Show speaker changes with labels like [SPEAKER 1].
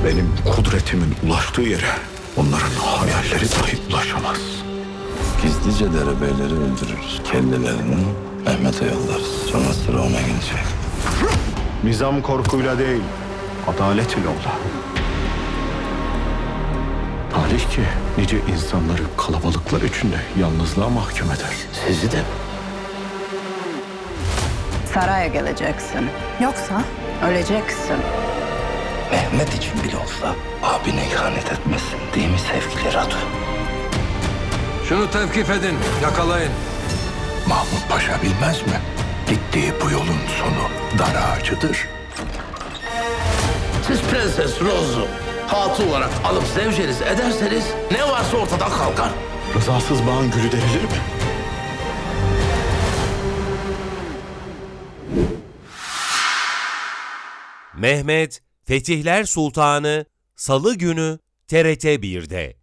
[SPEAKER 1] Benim kudretimin ulaştığı yere onların hayalleri dahi ulaşamaz.
[SPEAKER 2] Gizlice derebeyleri öldürürüz. Kendilerini Mehmet'e yollarız. Sonra sıra ona gelecek.
[SPEAKER 1] Nizam korkuyla değil, adalet ile ola. Talih ki nice insanları kalabalıklar içinde yalnızlığa mahkum eder.
[SPEAKER 2] Sizi de
[SPEAKER 3] Saraya geleceksin. Yoksa öleceksin.
[SPEAKER 2] Mehmet için bile olsa abine ihanet etmesin. Değil mi sevgili Radu?
[SPEAKER 4] Şunu tevkif edin, yakalayın.
[SPEAKER 1] Mahmut Paşa bilmez mi? Gittiği bu yolun sonu dar ağacıdır.
[SPEAKER 5] Siz Prenses Rose'u hatun olarak alıp zevceniz ederseniz ne varsa ortadan kalkar.
[SPEAKER 1] Rızasız bağın gülü derilir mi?
[SPEAKER 6] Mehmet Fetihler Sultanı Salı günü TRT 1'de.